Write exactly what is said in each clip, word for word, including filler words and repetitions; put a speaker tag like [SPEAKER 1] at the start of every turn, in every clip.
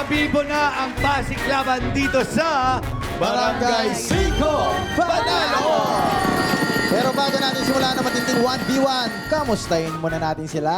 [SPEAKER 1] Bibo na ang Pasig Laban dito sa
[SPEAKER 2] Barangay Cinco Panalo! Pero bago natin simula na matinding one v one, kamustahin muna natin sila.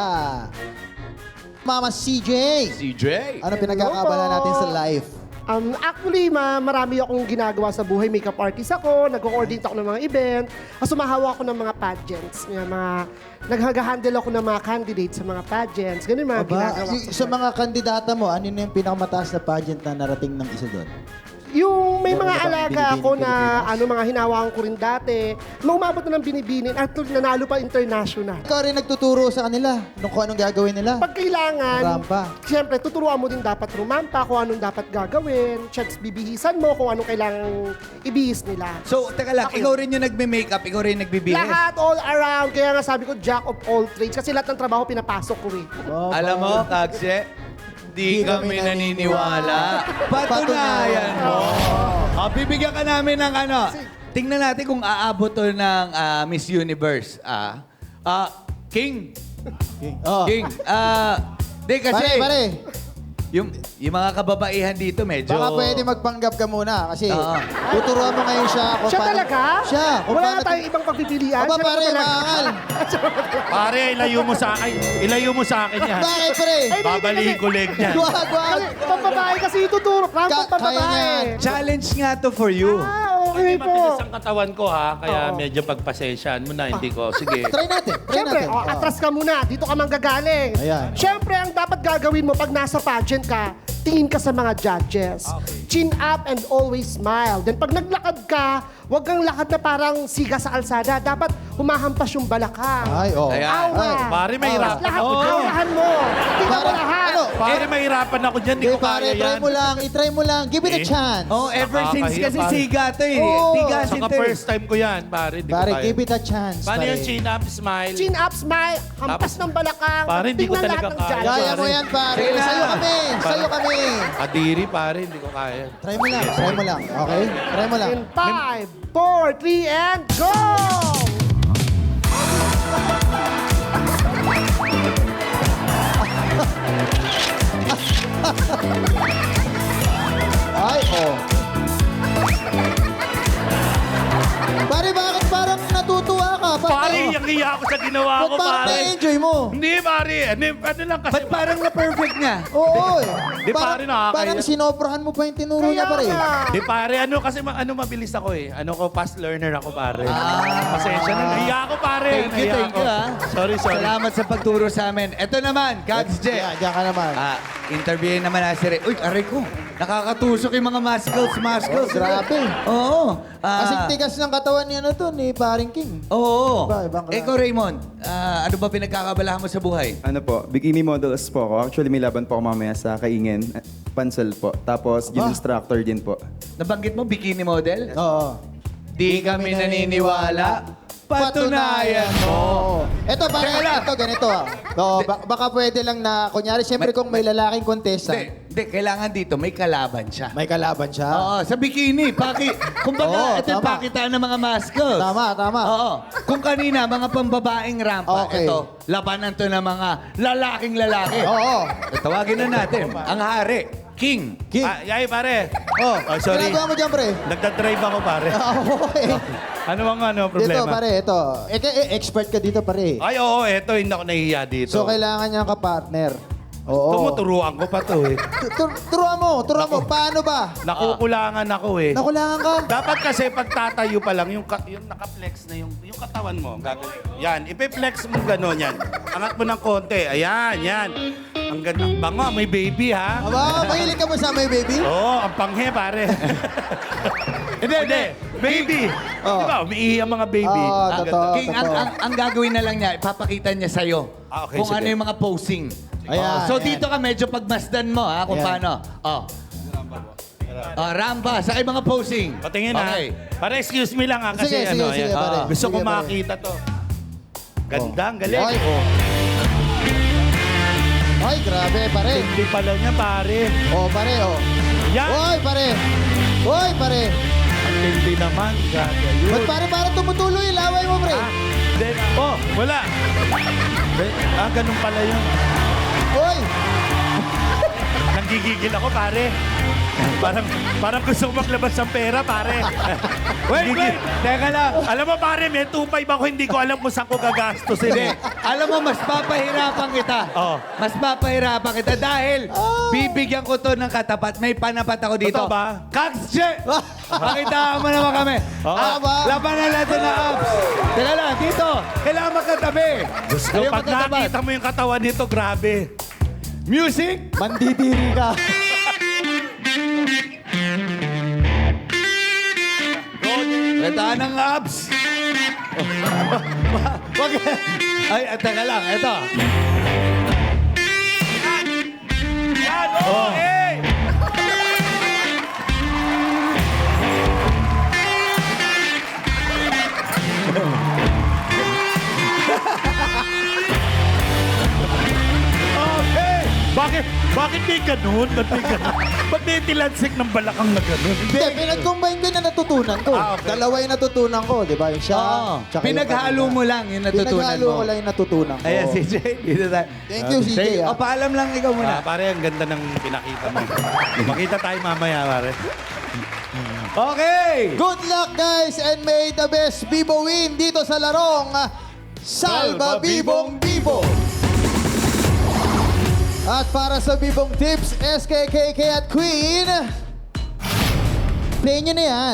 [SPEAKER 2] Mama C J,
[SPEAKER 1] C J.
[SPEAKER 2] ano pinagkakabala natin sa life?
[SPEAKER 3] Um, actually, ma marami akong ginagawa sa buhay. Makeup artist ako, nag-coordinate ako ng mga event, at sumahawa ako ng mga pageants. Yung mga, nag-handle ako ng mga candidates sa mga pageants. Ganun yung mga
[SPEAKER 2] Aba,
[SPEAKER 3] ginagawa
[SPEAKER 2] y-
[SPEAKER 3] ko.
[SPEAKER 2] sa mga kandidata mo, ano na yung pinakamataas na pageant na narating ng isa doon?
[SPEAKER 3] Yung may
[SPEAKER 2] Meron
[SPEAKER 3] mga
[SPEAKER 2] na bang
[SPEAKER 3] alaga
[SPEAKER 2] binibining
[SPEAKER 3] ako na
[SPEAKER 2] Pilipinas?
[SPEAKER 3] ano mga hinawakan ko rin dati, na umabot na ng binibinin at nanalo pa international.
[SPEAKER 2] Ikaw rin nagtuturo sa kanila nung kung anong gagawin nila.
[SPEAKER 3] Pag kailangan,
[SPEAKER 2] Rampa.
[SPEAKER 3] siyempre, tuturuan mo din dapat rumampa kung anong dapat gagawin. Checks, bibihisan mo kung anong kailangang ibihis nila.
[SPEAKER 1] So, teka lang,
[SPEAKER 3] Ako
[SPEAKER 1] ikaw rin yung nagme-makeup, ikaw rin nagbibihis.
[SPEAKER 3] Lahat, all around. Kaya nga sabi ko, jack of all trades. Kasi lahat ng trabaho pinapasok ko eh.
[SPEAKER 2] Oh,
[SPEAKER 1] Alam mo,
[SPEAKER 2] pa-
[SPEAKER 1] Kagse, di
[SPEAKER 2] Di
[SPEAKER 1] kami
[SPEAKER 2] kami
[SPEAKER 1] naniniwala. Patunayan mo. Oh, bibigyan ka namin ng ano. Tingnan natin kung aabot to ng ah, Miss Universe. Ah, ah, King.
[SPEAKER 2] Oh.
[SPEAKER 1] King. Ah, di kasi
[SPEAKER 2] Pare, pare.
[SPEAKER 1] yung yung mga kababaihan dito medyo
[SPEAKER 2] Baka pwede magpanggap ka muna kasi
[SPEAKER 1] Oo.
[SPEAKER 2] tuturuan mo ngayon siya kung
[SPEAKER 3] Siya
[SPEAKER 2] paano-
[SPEAKER 3] talaga?
[SPEAKER 2] Siya. Kung
[SPEAKER 3] Wala
[SPEAKER 2] paano
[SPEAKER 3] na tayong ibang pagpipilian.
[SPEAKER 2] Aba,
[SPEAKER 3] Siya
[SPEAKER 2] pare,
[SPEAKER 3] naman talaga.
[SPEAKER 2] maangal.
[SPEAKER 4] Pare, ilayo mo sa akin. Ilayo mo sa akin yan.
[SPEAKER 2] Bakit, pre?
[SPEAKER 3] Ay,
[SPEAKER 4] Babalihin ko leg niyan.
[SPEAKER 2] Wag, wag.
[SPEAKER 3] Kasi pambabae kasi ituturo. Ramp
[SPEAKER 2] Ka-
[SPEAKER 3] ang pambabae.
[SPEAKER 2] kaya niyan.
[SPEAKER 1] challenge nga to for you.
[SPEAKER 3] Ah, okay
[SPEAKER 4] Hindi
[SPEAKER 3] po.
[SPEAKER 4] matigas ang katawan ko ha, kaya
[SPEAKER 3] Oo.
[SPEAKER 4] medyo pagpasensyahan mo na, hindi ko. Sige.
[SPEAKER 2] Try natin. Try
[SPEAKER 3] Siyempre,
[SPEAKER 2] natin.
[SPEAKER 3] oh, atras ka muna. Dito ka manggagaling.
[SPEAKER 2] Ayan.
[SPEAKER 3] Siyempre, ang dapat gagawin mo pag nasa pageant ka, tingin ka sa mga judges. Chin up and always smile. Then pag naglakad ka, huwag kang lakad na parang siga sa alsada. Dapat humahampas yung balakang.
[SPEAKER 2] Ay, oh.
[SPEAKER 1] Ayan.
[SPEAKER 3] Awa.
[SPEAKER 2] Ay.
[SPEAKER 4] Pare, may
[SPEAKER 3] Tapos
[SPEAKER 4] hirapan
[SPEAKER 3] lahat,
[SPEAKER 4] ako.
[SPEAKER 3] awahan mo. Tingnan mo
[SPEAKER 2] Para-
[SPEAKER 3] lahat.
[SPEAKER 2] ano?
[SPEAKER 4] Pare, mahirapan ako dyan. Hindi
[SPEAKER 2] Okay,
[SPEAKER 4] ko
[SPEAKER 2] pare,
[SPEAKER 4] kaya
[SPEAKER 2] try
[SPEAKER 4] yan.
[SPEAKER 2] mo lang. I-try mo lang. Give it a
[SPEAKER 4] Eh?
[SPEAKER 2] chance.
[SPEAKER 1] Oh, ever since
[SPEAKER 4] Nakakahiya,
[SPEAKER 1] kasi
[SPEAKER 4] pare.
[SPEAKER 1] siga to eh.
[SPEAKER 2] Oo.
[SPEAKER 1] Tigasin
[SPEAKER 4] Saka
[SPEAKER 1] to eh.
[SPEAKER 4] first time ko yan, pare. Hindi
[SPEAKER 2] Pare,
[SPEAKER 4] ko kaya.
[SPEAKER 2] give it a chance.
[SPEAKER 4] Paano
[SPEAKER 2] pare.
[SPEAKER 4] yung chin up, smile?
[SPEAKER 3] Chin up, smile, hampas
[SPEAKER 4] Tapos-
[SPEAKER 3] ng balakang.
[SPEAKER 4] Pare, hindi ko
[SPEAKER 3] Tingnan
[SPEAKER 4] talaga
[SPEAKER 3] lahat ng
[SPEAKER 4] kaya.
[SPEAKER 3] judges.
[SPEAKER 2] Kaya mo yan, pare.
[SPEAKER 1] Sige na.
[SPEAKER 2] Sa'yo kami. Sa'yo kami.
[SPEAKER 4] Kadiri, pare. Hindi ko kaya.
[SPEAKER 2] Try mo lang. Try mo lang. Okay? Try mo lang.
[SPEAKER 3] In five, four, three, and go!
[SPEAKER 2] Ay, oh. Pare, bakit parang natutuwa ka? Bakit?
[SPEAKER 4] Pare, yung iya ako sa ginawa
[SPEAKER 2] Ba't
[SPEAKER 4] ko,
[SPEAKER 2] parang
[SPEAKER 4] pare.
[SPEAKER 2] na-enjoy mo?
[SPEAKER 4] Hindi, pare. Ano, ano lang kasi.
[SPEAKER 1] Ba't parang na-perfect niya?
[SPEAKER 2] Oo, eh.
[SPEAKER 4] Di, pare, nakakaya.
[SPEAKER 2] Parang sinobrahan mo pa yung tinuro niya,
[SPEAKER 3] Kaya
[SPEAKER 2] pare.
[SPEAKER 3] nga.
[SPEAKER 4] Di pare, ano kasi ma- ano mabilis ako eh. Ano ko, fast learner ako pare. Pasensya na. Nahiya ako pare.
[SPEAKER 1] Thank you,
[SPEAKER 4] Nahiya
[SPEAKER 1] thank
[SPEAKER 4] ako.
[SPEAKER 1] you ah.
[SPEAKER 4] Sorry, sorry.
[SPEAKER 1] Salamat sa pagturo sa amin. Ito naman, Kags J.
[SPEAKER 2] Diyan, diyan ka naman.
[SPEAKER 1] Ah, interviewin naman na si Re. Uy, aray ko. Nakakatusok yung mga muscles, muscles.
[SPEAKER 2] Oh, grabe.
[SPEAKER 1] Oo. Ah,
[SPEAKER 2] Kasing tigas ng katawan ni ano to, ni Paring King.
[SPEAKER 1] Oo.
[SPEAKER 2] Iba, ibang klase.
[SPEAKER 1] Ikaw, Raymond, ah, ano ba pinagkakabalahan mo sa buhay?
[SPEAKER 5] Ano po, bikini models po ako. Actually, may laban po ako mamaya sa Kaingen. eh, Pansel po. Tapos, gym
[SPEAKER 2] Aba.
[SPEAKER 5] instructor din po.
[SPEAKER 1] Nabanggit mo, bikini model?
[SPEAKER 2] Oo.
[SPEAKER 1] Di kami naniniwala. Patunayan mo.
[SPEAKER 2] Oo. Ito, pare,
[SPEAKER 1] Teka lang.
[SPEAKER 2] ito, ganito. ah. Oo, ba- baka pwede lang na, kunyari, siyempre kung may lalaking contestant,
[SPEAKER 1] Hindi, hindi, kailangan dito, may kalaban siya.
[SPEAKER 2] may kalaban siya.
[SPEAKER 1] Oo, sa bikini. Paki, kumbaga,
[SPEAKER 2] Oo,
[SPEAKER 1] ito yung
[SPEAKER 2] tama.
[SPEAKER 1] pakitaan ng mga muscles.
[SPEAKER 2] Tama, tama.
[SPEAKER 1] Oo. Kung kanina, mga pambabaeng rampa,
[SPEAKER 2] Okay.
[SPEAKER 1] ito, labanan to ng mga lalaking lalaki.
[SPEAKER 2] Oo.
[SPEAKER 1] Tawagin na natin, ang hari, King.
[SPEAKER 2] King.
[SPEAKER 4] Ah, yay, pare.
[SPEAKER 2] Oh,
[SPEAKER 4] Oh, sorry.
[SPEAKER 2] ginagawa mo dyan, pre.
[SPEAKER 4] Nagdadrive ako, pare.
[SPEAKER 2] Oo, eh.
[SPEAKER 4] Ano bang ano,
[SPEAKER 2] Dito,
[SPEAKER 4] problema?
[SPEAKER 2] pare, ito. Eh, eh, expert ka dito, pare.
[SPEAKER 4] Ay, oo, eto, hindi ako nahihiya dito.
[SPEAKER 2] So, kailangan niya ka partner. Oo.
[SPEAKER 4] Tumuturuan ko pa to eh.
[SPEAKER 2] Tu- tu- Turuan mo, turuan mo. Paano ba?
[SPEAKER 4] Nakukulangan ako eh.
[SPEAKER 2] Nakulangan ka?
[SPEAKER 4] Dapat kasi pagtatayo pa lang, yung, ka- yung naka-flex na yung, yung katawan mo. Gagawin. Yan, ipe-flex mo gano'n yan. Angat mo ng konti. Ayan, yan. Ang ganda. Bango, may baby ha.
[SPEAKER 2] Aba, mahilig ka mo sa may baby?
[SPEAKER 4] Oo, ang panghe pare. Hindi, hindi. Baby.
[SPEAKER 2] Oh.
[SPEAKER 4] Di ba, umiihi ang mga baby.
[SPEAKER 2] Oo,
[SPEAKER 4] Ang
[SPEAKER 2] totoo.
[SPEAKER 4] ganda.
[SPEAKER 1] King, ang, ang, ang gagawin na lang niya, ipapakita niya sa'yo
[SPEAKER 4] Ah, okay,
[SPEAKER 1] kung
[SPEAKER 4] sige.
[SPEAKER 1] ano yung mga posing.
[SPEAKER 2] Ayan,
[SPEAKER 1] Oo, so
[SPEAKER 2] ayan.
[SPEAKER 1] dito ka medyo pagmasdan mo ha, kung
[SPEAKER 2] Ayan.
[SPEAKER 1] paano. Oh. Oh, rampa, sa mga posing.
[SPEAKER 4] Patingin
[SPEAKER 1] okay.
[SPEAKER 4] ha. Para excuse me lang ha, kasi
[SPEAKER 2] Sige,
[SPEAKER 4] ano,
[SPEAKER 2] sige, sige,
[SPEAKER 4] ayan.
[SPEAKER 2] pare.
[SPEAKER 4] gusto
[SPEAKER 2] Sige,
[SPEAKER 4] ko
[SPEAKER 2] pare.
[SPEAKER 4] makita to. Ganda, ang galing.
[SPEAKER 2] Ay, oh. Ay, grabe, pare.
[SPEAKER 4] Hindi pala niya, pare.
[SPEAKER 2] Oh, pare, oh.
[SPEAKER 4] Yan.
[SPEAKER 2] Oy, pare. Oy, pare.
[SPEAKER 4] Ang tindi naman. Gaga yun.
[SPEAKER 2] Ba't pare, parang tumutuloy? Laway mo, pre.
[SPEAKER 4] Ah, then, oh, wala. Ah, ganun pala yun.
[SPEAKER 2] Oy.
[SPEAKER 4] nanggigigil ako, pare. Parang, parang gusto ko maglabas ng pera, pare.
[SPEAKER 1] Wait, wait. Teka lang.
[SPEAKER 4] Alam mo, pare, may two five ako, hindi ko alam kung saan ko gagastusin.
[SPEAKER 1] Hindi. Alam mo, mas papahirapan kita.
[SPEAKER 4] Oh.
[SPEAKER 1] Mas papahirapan kita dahil bibigyan ko to ng katapat. May panapat ako dito.
[SPEAKER 4] Totoo ba?
[SPEAKER 1] Kaksye! Pakitaan mo naman kami.
[SPEAKER 4] Oo.
[SPEAKER 1] Ah,
[SPEAKER 2] Tama.
[SPEAKER 1] labanan natin na abs. Teka lang, dito. Kailangan magkatabi.
[SPEAKER 4] Diyos ko,
[SPEAKER 1] Ayaw
[SPEAKER 4] pag
[SPEAKER 1] magkatapat.
[SPEAKER 4] nakita mo yung katawan nito, grabe.
[SPEAKER 1] Music.
[SPEAKER 2] Mandidiri ka.
[SPEAKER 1] Pakitaan ng abs. Wag. Ay, teka lang. Ito.
[SPEAKER 4] Yan, oh, eh!
[SPEAKER 1] Okay.
[SPEAKER 4] Bakit, bakit may ganun? Ba't may ganun? Ba't may tilansik ng balakang na ganun?
[SPEAKER 2] Hindi, pinag-combine ko na natutunan ko.
[SPEAKER 4] Ah, okay.
[SPEAKER 2] Dalawa yung natutunan ko, di ba? Yung siya,
[SPEAKER 1] Oo.
[SPEAKER 2] tsaka yung
[SPEAKER 1] Pinaghalo
[SPEAKER 2] kanina.
[SPEAKER 1] mo lang yung natutunan
[SPEAKER 2] Pinaghalo
[SPEAKER 1] mo.
[SPEAKER 2] ko lang yung natutunan ko.
[SPEAKER 1] Ayan, C J. Dito tayo.
[SPEAKER 2] Thank you, C J,
[SPEAKER 1] Thank you.
[SPEAKER 2] ah.
[SPEAKER 1] O, paalam lang ikaw muna.
[SPEAKER 4] Ah, pare, ang ganda ng pinakita mo. Makita tayo mamaya, pare.
[SPEAKER 1] Okay.
[SPEAKER 2] Good luck, guys, and may the best Bibo win dito sa larong ah, Salba Bibong Bibo. At para sa Bibong Tips, S K K K at Queen, play nyo na yan.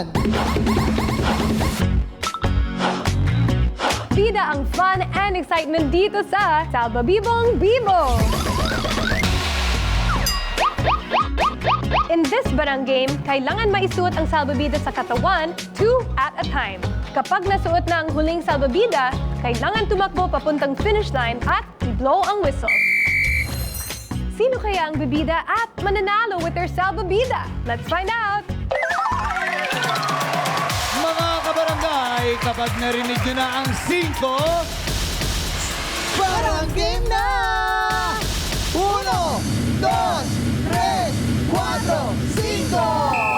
[SPEAKER 6] Bida ang fun and excitement dito sa Salba Bibong Bibo! In this barang game, kailangan maisuot ang salbabida sa katawan, two at a time. Kapag nasuot na ang huling salbabida, kailangan tumakbo papuntang finish line at i-blow ang whistle. Sino kaya ang bibida at mananalo with their salbabida? Let's find out!
[SPEAKER 1] Mga kabarangay, kapag narinig nyo na ang cinco,
[SPEAKER 2] Parang game na! Uno, dos, tres, cuatro, cinco!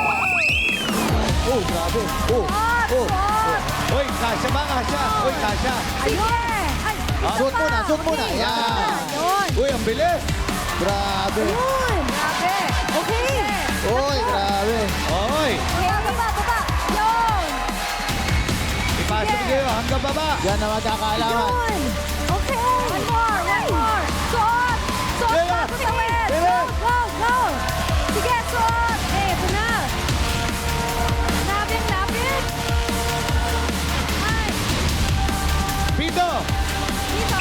[SPEAKER 2] Oh, grabe. Oh, oh.
[SPEAKER 1] Uy, kasya ba? Kasya. Uy, kasya.
[SPEAKER 6] Ayun! Ay,
[SPEAKER 2] Suot muna, suot muna. Yan.
[SPEAKER 6] Yun!
[SPEAKER 1] Uy, ang bilis.
[SPEAKER 2] Grabe.
[SPEAKER 6] Yun! Grabe! Okay!
[SPEAKER 2] Uy, grabe.
[SPEAKER 1] Oy,
[SPEAKER 6] Okay, baba, baba! Yun!
[SPEAKER 1] ipasok nyo hanggang baba.
[SPEAKER 2] Yan na magkakaalaman.
[SPEAKER 6] Yun! Okay! One more! One more! Suot! Suot
[SPEAKER 1] Bilis!
[SPEAKER 6] bago sa wet! Go!
[SPEAKER 1] Bilis!
[SPEAKER 6] Go! Go! Sige, suot! Eh, ito na! Lapit, lapit! Ay!
[SPEAKER 1] Pito.
[SPEAKER 6] Dito!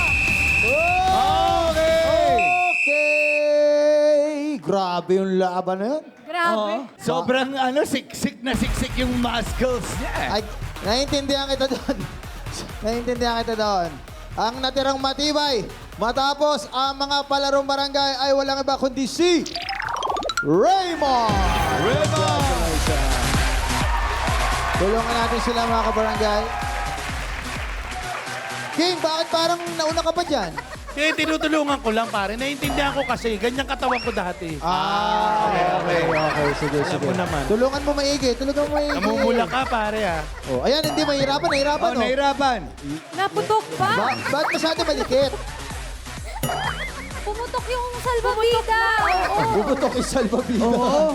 [SPEAKER 1] Okay.
[SPEAKER 2] Okay. Grabe yung laban na yun.
[SPEAKER 6] Grabe!
[SPEAKER 1] Oo. Sobrang ano, siksik na siksik yung muscles niya. eh.
[SPEAKER 2] Ay, naiintindihan kita doon. naiintindihan kita doon. Ang natirang matibay, matapos ang mga palarong barangay ay walang iba kundi si Raymond!
[SPEAKER 1] Raymond!
[SPEAKER 2] Tulungan natin sila mga kabarangay. King, bakit parang nauna ka pa dyan?
[SPEAKER 4] Eh, tinutulungan ko lang, pare. Naiintindihan ko kasi, ganyan katawan ko dati.
[SPEAKER 2] Ah, okay, okay, okay. Sige,
[SPEAKER 4] Alam
[SPEAKER 2] sige.
[SPEAKER 4] mo naman.
[SPEAKER 2] Tulungan mo maigi, tulungan mo maigi.
[SPEAKER 4] Namumula ka, pare, ah.
[SPEAKER 2] Oh, ayan, hindi mahirapan, nahirapan,
[SPEAKER 1] Oh,
[SPEAKER 2] oh.
[SPEAKER 1] nahirapan.
[SPEAKER 6] Naputok pa!
[SPEAKER 2] Ba ba't masyado malikit?
[SPEAKER 6] Pumutok yung salbabida! Oo!
[SPEAKER 2] Bubutok yung salbabida.
[SPEAKER 1] Oo.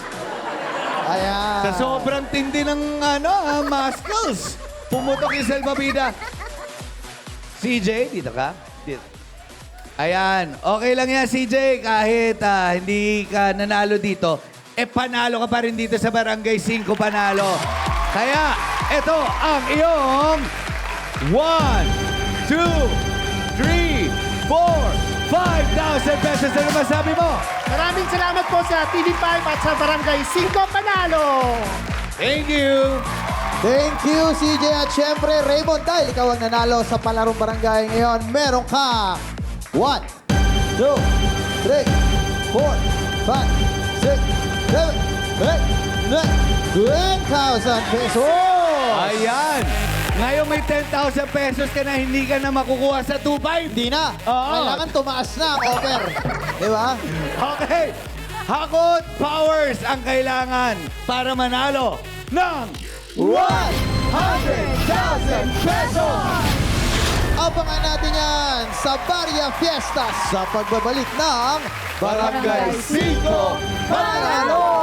[SPEAKER 2] Ayan.
[SPEAKER 1] Sa sobrang tindi ng ano, ah, muscles. Pumutok yung salbabida. C J, dito ka? Dito. Ayan. Okay lang yan, C J. Kahit ah, hindi ka nanalo dito, eh panalo ka pa rin dito sa Barangay cinco Panalo. Kaya, ito ang iyong one, two, three, four, five thousand pesos. Ano masabi mo?
[SPEAKER 3] Maraming salamat po sa T V five at sa Barangay cinco Panalo.
[SPEAKER 1] Thank you.
[SPEAKER 2] Thank you, C J. At syempre, Raymond, dahil ikaw ang nanalo sa palarong barangay ngayon, meron ka one, two, three, four, five, six, seven, eight, nine, ten thousand pesos!
[SPEAKER 1] Ayan. Ngayon may ten thousand pesos ka na hindi ka na makukuha sa two five.
[SPEAKER 2] Hindi na.
[SPEAKER 1] Oo.
[SPEAKER 2] Kailangan tumaas na ang offer. Di ba?
[SPEAKER 1] Okay. Hakot Powers ang kailangan para manalo ng
[SPEAKER 2] one hundred thousand pesos! Abangan natin yan sa Barya Fiesta sa pagbabalik ng Barangay five, Mananalo!